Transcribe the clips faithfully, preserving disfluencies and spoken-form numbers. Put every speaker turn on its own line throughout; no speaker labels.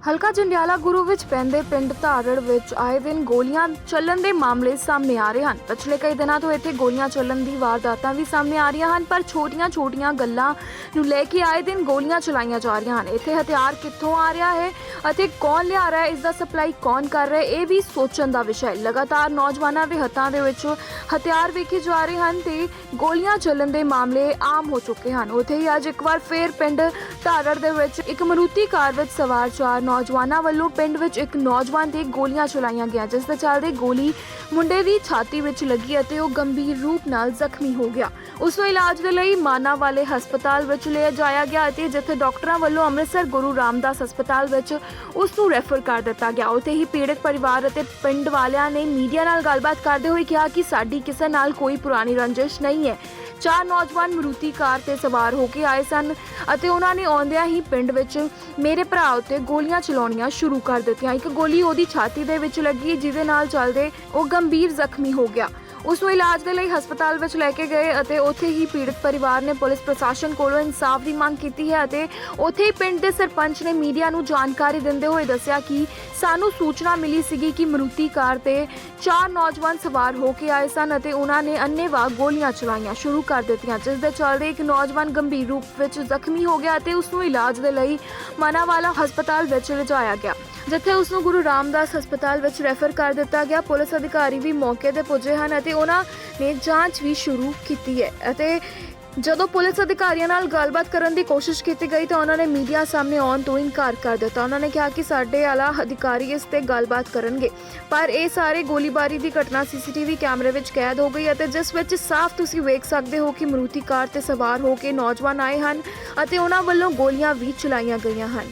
ਹਲਕਾ ਜੰਡਿਆਲਾ ਗੁਰੂ ਵਿੱਚ ਪੈਂਦੇ ਪਿੰਡ ਧਾਰੜ ਵਿੱਚ ਆਏ ਦਿਨ ਗੋਲੀਆਂ ਚੱਲਣ ਦੇ ਮਾਮਲੇ ਸਾਹਮਣੇ ਆ ਰਹੇ ਹਨ। ਪਿਛਲੇ ਕਈ ਦਿਨਾਂ ਤੋਂ ਇੱਥੇ ਗੋਲੀਆਂ ਚੱਲਣ ਦੀ ਵਾਰਦਾਤਾਂ ਵੀ ਸਾਹਮਣੇ ਆ ਰਹੀਆਂ ਹਨ, ਪਰ ਛੋਟੀਆਂ-ਛੋਟੀਆਂ ਗੱਲਾਂ ਨੂੰ ਲੈ ਕੇ ਆਏ ਦਿਨ ਗੋਲੀਆਂ ਚਲਾਈਆਂ ਜਾ ਰਹੀਆਂ ਹਨ। ਇੱਥੇ ਹਥਿਆਰ ਕਿੱਥੋਂ ਆ ਰਿਹਾ ਹੈ ਅਤੇ ਕੌਣ ਲਿਆ ਰਿਹਾ ਹੈ, ਇਸ ਦਾ ਸਪਲਾਈ ਕੌਣ ਕਰ ਰਿਹਾ ਹੈ, ਇਹ ਵੀ ਸੋਚਣ ਦਾ ਵਿਸ਼ਾ ਹੈ। ਲਗਾਤਾਰ ਨੌਜਵਾਨਾਂ ਦੇ ਹੱਥਾਂ ਦੇ ਵਿੱਚ ਹਥਿਆਰ ਵੇਖੇ ਜਾ ਰਹੇ ਹਨ ਤੇ ਗੋਲੀਆਂ ਚੱਲਣ ਦੇ ਮਾਮਲੇ ਆਮ ਹੋ ਚੁੱਕੇ ਹਨ। ਉੱਥੇ ਹੀ ਅੱਜ ਇੱਕ ਵਾਰ ਫੇਰ ਪਿੰਡ ਧਾਰੜ ਦੇ ਵਿੱਚ ਇੱਕ ਮਾਰੂਤੀ ਕਾਰ ਵਿੱਚ ਸਵਾਰ ਚਾਰ ਨੌਜਵਾਨਾਂ ਵੱਲੋਂ ਪਿੰਡ ਵਿੱਚ ਇੱਕ ਨੌਜਵਾਨ ਤੇ ਗੋਲੀਆਂ ਚਲਾਈਆਂ ਗਈਆਂ, ਜਿਸ ਦੇ ਚੱਲਦੇ ਗੋਲੀ ਮੁੰਡੇ ਦੀ ਛਾਤੀ ਵਿੱਚ ਲੱਗੀ ਅਤੇ ਉਹ ਗੰਭੀਰ ਰੂਪ ਨਾਲ ਜ਼ਖਮੀ ਹੋ ਗਿਆ। ਉਸ ਨੂੰ ਇਲਾਜ ਦੇ ਲਈ ਮਾਨਾ ਵਾਲੇ ਹਸਪਤਾਲ ਵਿੱਚ ਲਿਆ ਜਾਇਆ ਗਿਆ ਅਤੇ ਜਿੱਥੇ ਡਾਕਟਰਾਂ ਵੱਲੋਂ ਅੰਮ੍ਰਿਤਸਰ ਗੁਰੂ ਰਾਮਦਾਸ ਹਸਪਤਾਲ ਵਿੱਚ ਉਸ ਨੂੰ ਰੈਫਰ ਕਰ ਦਿੱਤਾ ਗਿਆ। ਉੱਥੇ ਹੀ ਪੀੜਤ ਪਰਿਵਾਰ ਅਤੇ ਪਿੰਡ ਵਾਲਿਆਂ ਨੇ ਮੀਡੀਆ ਨਾਲ ਗੱਲਬਾਤ ਕਰਦੇ ਹੋਏ ਕਿਹਾ ਕਿ ਸਾਡੀ ਕਿਸੇ ਨਾਲ ਕੋਈ ਪੁਰਾਣੀ ਰੰਜਿਸ਼ ਨਹੀਂ ਹੈ। ਚਾਰ ਨੌਜਵਾਨ ਮਾਰੂਤੀ ਕਾਰ ਤੇ ਸਵਾਰ ਹੋ ਕੇ ਆਏ ਸਨ ਅਤੇ ਉਹਨਾਂ ਨੇ ਆਉਂਦਿਆਂ ਹੀ ਪਿੰਡ ਵਿੱਚ ਮੇਰੇ ਭਰਾ ਉੱਤੇ ਗੋਲੀਆਂ ਚਲਾਉਣੀਆਂ ਸ਼ੁਰੂ ਕਰ ਦਿੱਤੀਆਂ। ਇੱਕ ਗੋਲੀ ਉਹਦੀ ਛਾਤੀ ਦੇ ਵਿੱਚ ਲੱਗੀ, ਜਿਹਦੇ ਨਾਲ ਚੱਲਦੇ ਉਹ ਗੰਭੀਰ ਜ਼ਖਮੀ ਹੋ ਗਿਆ। ਉਸ ਨੂੰ ਇਲਾਜ ਦੇ ਲਈ ਹਸਪਤਾਲ ਵਿੱਚ ਲੈ ਕੇ ਗਏ ਅਤੇ ਉੱਥੇ ਹੀ ਪੀੜਤ ਪਰਿਵਾਰ ਨੇ ਪੁਲਿਸ ਪ੍ਰਸ਼ਾਸਨ ਕੋਲੋਂ ਇਨਸਾਫ ਦੀ ਮੰਗ ਕੀਤੀ ਹੈ ਅਤੇ ਉੱਥੇ ਹੀ ਪਿੰਡ ਦੇ ਸਰਪੰਚ ਨੇ ਮੀਡੀਆ ਨੂੰ ਜਾਣਕਾਰੀ ਦਿੰਦੇ ਹੋਏ ਦੱਸਿਆ ਕਿ ਸਾਨੂੰ ਸੂਚਨਾ ਮਿਲੀ ਸੀਗੀ ਕਿ ਮਾਰੂਤੀ ਕਾਰ ਤੇ ਚਾਰ ਨੌਜਵਾਨ ਸਵਾਰ ਹੋ ਕੇ ਆਏ ਸਨ ਅਤੇ ਉਹਨਾਂ ਨੇ ਅੰਨ੍ਹੇਵਾਹ ਗੋਲੀਆਂ ਚਲਾਈਆਂ ਸ਼ੁਰੂ ਕਰ ਦਿੱਤੀਆਂ, ਜਿਸ ਦੇ ਚੱਲਦੇ ਇੱਕ ਨੌਜਵਾਨ ਗੰਭੀਰ ਰੂਪ ਵਿੱਚ ਜ਼ਖਮੀ ਹੋ ਗਿਆ ਅਤੇ ਉਸ ਨੂੰ ਇਲਾਜ ਦੇ ਲਈ ਮਾਨਾਵਾਲਾ ਹਸਪਤਾਲ ਵਿੱਚ ਲਿਜਾਇਆ ਗਿਆ, ਜਿੱਥੇ ਉਸ ਨੂੰ ਗੁਰੂ ਰਾਮਦਾਸ ਹਸਪਤਾਲ ਵਿੱਚ ਰੈਫਰ ਕਰ ਦਿੱਤਾ ਗਿਆ। ਪੁਲਿਸ ਅਧਿਕਾਰੀ ਵੀ ਮੌਕੇ ਤੇ ਪੁੱਜੇ ਹਨ ਅਤੇ ਉਹਨਾਂ ਨੇ ਜਾਂਚ ਵੀ ਸ਼ੁਰੂ ਕੀਤੀ ਹੈ ਅਤੇ ਜਦੋਂ ਪੁਲਿਸ ਅਧਿਕਾਰੀਆਂ ਨਾਲ ਗੱਲਬਾਤ ਕਰਨ ਦੀ ਕੋਸ਼ਿਸ਼ ਕੀਤੀ ਗਈ ਤਾਂ ਉਹਨਾਂ ਨੇ ਮੀਡੀਆ ਸਾਹਮਣੇ ਆਉਣ ਤੋਂ ਇਨਕਾਰ ਕਰ ਦਿੱਤਾ। ਉਹਨਾਂ ਨੇ ਕਿਹਾ ਕਿ ਸਾਡੇ ਆਲਾ ਅਧਿਕਾਰੀ ਇਸ ਤੇ ਗੱਲਬਾਤ ਕਰਨਗੇ, ਪਰ ਇਹ ਸਾਰੇ ਗੋਲੀਬਾਰੀ ਦੀ ਘਟਨਾ ਸੀਸੀਟੀਵੀ ਕੈਮਰੇ ਵਿੱਚ ਕੈਦ ਹੋ ਗਈ ਅਤੇ ਜਿਸ ਵਿੱਚ ਸਾਫ਼ ਤੁਸੀਂ ਵੇਖ ਸਕਦੇ ਹੋ ਕਿ ਮਾਰੂਤੀ ਕਾਰ ਤੇ ਸਵਾਰ ਹੋ ਕੇ ਨੌਜਵਾਨ ਆਏ ਹਨ ਅਤੇ ਉਹਨਾਂ ਵੱਲੋਂ ਗੋਲੀਆਂ ਵੀ ਚਲਾਈਆਂ ਗਈਆਂ ਹਨ।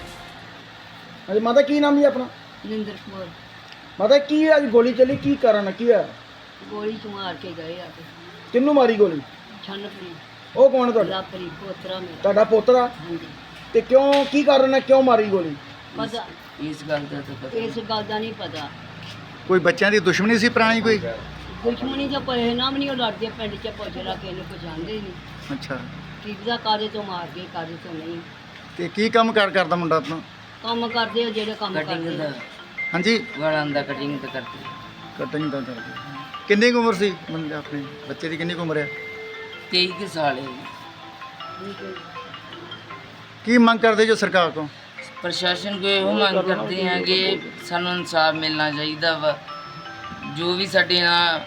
ਹਾਂਜੀ ਮਾਤਾ, ਕੀ ਨਾਮ ਜੀ ਆਪਣਾ?
ਨਿੰਦਰ ਕੌਰ।
ਮਾਤਾ, ਕੀ ਅੱਜ ਗੋਲੀ ਚੱਲੀ, ਕੀ ਕਾਰਨ ਕੀ ਆ?
ਗੋਲੀ ਚ ਮਾਰ ਕੇ ਗਏ ਆ ਕੇ
ਕਿੰਨੂੰ ਮਾਰੀ ਗੋਲੀ?
ਛੰਨਪਰੀ
ਉਹ ਕੌਣ ਤੁਹਾਡਾ?
ਲਾਪਰੀ ਪੋਤਰਾ ਮੇਰਾ।
ਤੁਹਾਡਾ ਪੋਤਰਾ?
ਹਾਂਜੀ।
ਤੇ ਕਿਉਂ, ਕੀ ਕਾਰਨ ਹੈ, ਕਿਉਂ ਮਾਰੀ ਗੋਲੀ?
ਪਤਾ
ਇਸ ਗੱਲ ਦਾ ਤਾਂ ਪਤਾ
ਇਸ ਗੱਲ ਦਾ ਨਹੀਂ ਪਤਾ।
ਕੋਈ ਬੱਚਿਆਂ ਦੀ ਦੁਸ਼ਮਣੀ ਸੀ ਪੁਰਾਣੀ ਕੋਈ?
ਦੁਸ਼ਮਣੀ ਜਾਂ ਪਰੇ ਨਾਮ ਨਹੀਂ, ਉਹ ਲੜਦੇ ਪਿੰਡ ਚ ਪੁੱਛਦਾ ਕਿ ਇਹਨੂੰ ਪਛਾਣਦੇ ਹੀ ਨਹੀਂ।
ਅੱਛਾ,
ਕੀ ਦਾ ਕਾਦੇ ਤੋਂ ਮਾਰ ਗਏ, ਕਾਦੇ ਤੋਂ ਨਹੀਂ।
ਤੇ ਕੀ ਕੰਮ ਕਾਰ ਕਰਦਾ ਮੁੰਡਾ ਆਪਣਾ?
ਕੰਮ ਕਰਦੇ ਆ ਜਿਹੜੇ ਕੰਮ
ਕਟਿੰਗ
ਕਰਦੇ
ਦਾ
ਆ।
ਹਾਂਜੀ,
ਵਾਲਾਂ ਦਾ ਕਟਿੰਗ ਤਾਂ ਕਰਦੀ
ਕਟਿੰਗ ਦਾ ਕਰਦਾ। ਕਿੰਨੀ ਕੁ ਉਮਰ ਸੀ ਮੁੰਡੇ ਆਪਣੇ ਬੱਚੇ ਦੀ, ਕਿੰਨੀ ਕੁ ਉਮਰ ਹੈ?
ਤੇਈ ਕੁ ਸਾਲ ਹੈ।
ਕੀ ਮੰਗ ਕਰਦੇ ਜੋ ਸਰਕਾਰ ਤੋਂ?
ਪ੍ਰਸ਼ਾਸਨ ਕੋ ਇਹੋ ਮੰਗ ਕਰਦੇ ਹਾਂ ਕਿ ਸਾਨੂੰ ਇਨਸਾਫ ਮਿਲਣਾ ਚਾਹੀਦਾ ਵਾ। ਜੋ ਵੀ ਸਾਡੇ ਨਾਲ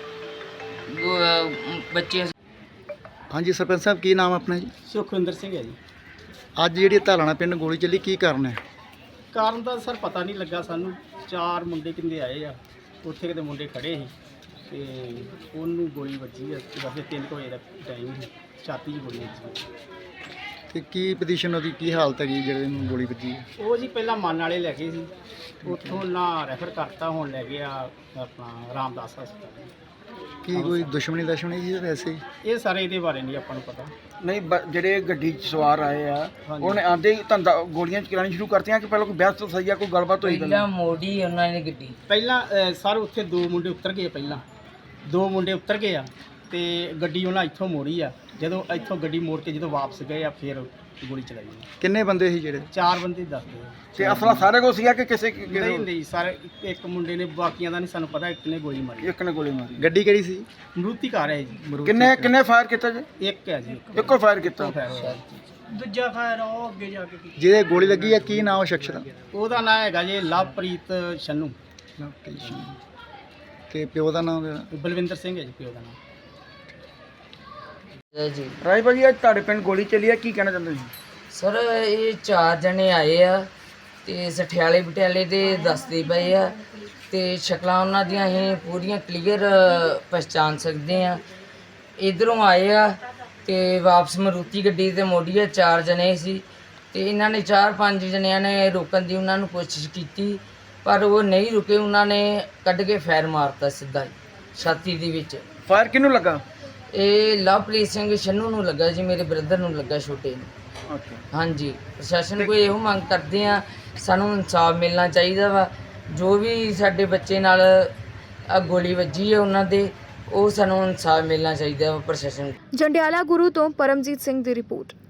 ਗੋ- ਬੱਚੇ।
ਹਾਂਜੀ ਸਰਪੰਚ ਸਾਹਿਬ, ਕੀ ਨਾਮ ਆਪਣਾ ਜੀ?
ਸੁਖਵਿੰਦਰ ਸਿੰਘ ਹੈ ਜੀ।
ਅੱਜ ਜਿਹੜੀ ਧਾਲਾਣਾ ਪਿੰਡ ਗੋਲੀ ਚੱਲੀ, ਕੀ ਕਾਰਨ ਹੈ?
ਕਾਰਨ ਤਾਂ ਸਰ ਪਤਾ ਨਹੀਂ ਲੱਗਾ ਸਾਨੂੰ। ਚਾਰ ਮੁੰਡੇ ਕਿੰਦੇ ਆਏ ਆ, ਉੱਥੇ ਕਿਤੇ ਮੁੰਡੇ ਖੜੇ ਸੀ ਤੇ ਉਹਨੂੰ ਗੋਲੀ ਵੱਜੀ ਆ। ਵੈਸੇ ਤਿੰਨ ਕੁ ਵਜੇ ਦਾ ਟਾਈਮ ਸੀ, ਛਾਤੀ 'ਚ ਗੋਲੀ ਵੱਜੀ।
ਤੇ ਕੀ ਪੋਜੀਸ਼ਨ ਉਹਦੀ, ਕੀ ਹਾਲਤ ਹੈਗੀ ਜਿਹੜੇ ਨੂੰ ਗੋਲੀ ਵੱਜੀ ਹੈ?
ਉਹ ਜੀ ਪਹਿਲਾਂ ਮਨ ਵਾਲੇ ਲੈ ਗਏ ਸੀ, ਉੱਥੋਂ ਨਾ ਰੈਫਰ ਕਰਤਾ, ਹੁਣ ਲੈ ਗਿਆ ਆਪਣਾ ਰਾਮਦਾਸ ਹਸਪਤਾਲ।
ਕੀ ਕੋਈ ਦੁਸ਼ਮਣੀ ਦੁਸ਼ਮਣੀ ਸੀ ਜਾਂ ਵੈਸੇ ਹੀ?
ਇਹ ਸਾਰੇ ਇਹਦੇ ਬਾਰੇ ਨਹੀਂ ਆਪਾਂ ਨੂੰ ਪਤਾ।
ਨਹੀਂ, ਬ- ਜਿਹੜੇ ਗੱਡੀ 'ਚ ਸਵਾਰ ਆਏ ਆ ਉਹਨੇ ਆਂਦੇ ਹੀ ਧੰਦਾ ਗੋਲੀਆਂ ਚਲਾਉਣੀ ਸ਼ੁਰੂ ਕਰਤੀਆਂ ਕਿ ਪਹਿਲਾਂ ਕੋਈ ਬਹਿਸ ਤੋਂ ਸਹੀ ਆ, ਕੋਈ ਗੱਲਬਾਤ ਹੋਈ?
ਪਹਿਲਾਂ ਮੋੜੀ ਉਹਨਾਂ ਨੇ ਗੱਡੀ।
ਪਹਿਲਾਂ ਅ, ਸਰ ਉੱਥੇ ਦੋ ਮੁੰਡੇ ਉਤਰ ਗਏ, ਪਹਿਲਾਂ ਦੋ ਮੁੰਡੇ ਉਤਰ ਗਏ ਆ ਤੇ ਗੱਡੀ ਉਹਨਾਂ ਇੱਥੋਂ ਮੋੜੀ ਆ। ਜਦੋਂ ਇੱਥੋਂ ਗੱਡੀ ਮੋੜ ਕੇ ਜਦੋਂ ਵਾਪਸ ਗਏ ਆ, ਫਿਰ ਗੋਲੀ ਚਲਾਈ।
ਕਿੰਨੇ ਬੰਦੇ ਸੀ ਜਿਹੜੇ?
ਚਾਰ ਬੰਦੇ ਦੱਸਦੇ ਆ।
ਤੇ ਅਸਲਾ ਸਾਰੇ ਕੋਲ ਸੀਗਾ ਕਿ ਕਿਸੇ
ਨਹੀਂ ਨਹੀਂ ਸਰ, ਇੱਕ ਮੁੰਡੇ ਨੇ, ਬਾਕੀਆਂ ਦਾ ਨਹੀਂ ਸਾਨੂੰ ਪਤਾ, ਇੱਕ ਨੇ ਗੋਲੀ ਮਾਰੀ।
ਇੱਕ ਨੇ ਗੋਲੀ ਮਾਰੀ?
ਗੱਡੀ ਕਿਹੜੀ ਸੀ?
ਮਰੂਤੀ ਕਾਰ ਹੈ ਜੀ।
ਕਿੰਨੇ ਕਿੰਨੇ ਫਾਇਰ ਕੀਤਾ ਜੀ?
ਇੱਕ ਹੈ ਜੀ, ਇੱਕ
ਇੱਕੋ ਫਾਇਰ ਕੀਤਾ।
ਫਾਇਰ ਹੋਇਆ। ਦੂਜਾ ਫਾਇਰ ਉਹ ਅੱਗੇ ਜਾ ਕੇ ਕੀਤਾ।
ਜਿਹਦੇ ਗੋਲੀ ਲੱਗੀ ਹੈ, ਕੀ ਨਾਮ ਉਹ ਸ਼ਖਸ ਦਾ?
ਉਹਦਾ ਨਾਂ ਹੈਗਾ ਜੀ ਲਵਪ੍ਰੀਤ ਛੰਨੂ।
ਤੇ ਪਿਓ ਦਾ ਨਾਮ?
ਬਲਵਿੰਦਰ ਸਿੰਘ ਹੈ ਜੀ ਪਿਓ ਦਾ ਨਾਮ।
ਜੀ
ਰਾਜ ਭਾਜੀ, ਅੱਜ ਤੁਹਾਡੇ ਪਿੰਡ ਗੋਲੀ ਚੱਲੀ ਆ, ਕੀ ਕਹਿਣਾ ਚਾਹੁੰਦੇ ਜੀ?
ਸਰ, ਇਹ ਚਾਰ ਜਣੇ ਆਏ ਆ ਤੇ ਸਠਿਆਲੇ ਪਟਿਆਲੇ ਦੇ ਦੱਸਦੇ ਪਏ ਆ ਤੇ ਸ਼ਕਲਾਂ ਉਹਨਾਂ ਦੀਆਂ ਅਸੀਂ ਪੂਰੀਆਂ ਕਲੀਅਰ ਪਛਾਣ ਸਕਦੇ ਆ। ਇਧਰੋਂ ਆਏ ਆ ਤੇ ਵਾਪਸ ਮਾਰੂਤੀ ਗੱਡੀ ਤੇ ਮੋੜੀ ਆ। ਚਾਰ ਜਣੇ ਸੀ ਤੇ ਇਹਨਾਂ ਨੇ ਚਾਰ ਪੰਜ ਜਣਿਆਂ ਨੇ ਰੋਕਣ ਦੀ ਉਹਨਾਂ ਨੂੰ ਕੋਸ਼ਿਸ਼ ਕੀਤੀ, ਪਰ ਉਹ ਨਹੀਂ ਰੁਕੇ। ਉਹਨਾਂ ਨੇ ਕੱਢ ਕੇ ਫਾਇਰ ਮਾਰਤਾ ਸਿੱਧਾ ਹੀ ਛਾਤੀ ਦੇ ਵਿੱਚ।
ਫਾਇਰ ਕਿਹਨੂੰ ਲੱਗਾ?
ਇਹ ਲਵਪ੍ਰੀਤ ਸਿੰਘ ਛੰਨੂ ਨੂੰ ਲੱਗਾ ਜੀ, ਮੇਰੇ ਬ੍ਰਦਰ ਨੂੰ ਲੱਗਾ, ਛੋਟੇ ਨੂੰ।
ਅੱਛਾ।
ਹਾਂਜੀ, ਪ੍ਰਸ਼ਾਸਨ ਕੋਲ ਇਹੋ ਮੰਗ ਕਰਦੇ ਆ, ਸਾਨੂੰ ਇਨਸਾਫ ਮਿਲਣਾ ਚਾਹੀਦਾ ਵਾ। ਜੋ ਵੀ ਸਾਡੇ ਬੱਚੇ ਨਾਲ ਆ ਗੋਲੀ ਵੱਜੀ ਹੈ ਉਹਨਾਂ ਦੇ, ਉਹ ਸਾਨੂੰ ਇਨਸਾਫ ਮਿਲਣਾ ਚਾਹੀਦਾ ਵਾ ਪ੍ਰਸ਼ਾਸਨ।
ਜੰਡਿਆਲਾ ਗੁਰੂ ਤੋਂ ਪਰਮਜੀਤ ਸਿੰਘ ਦੀ ਰਿਪੋਰਟ।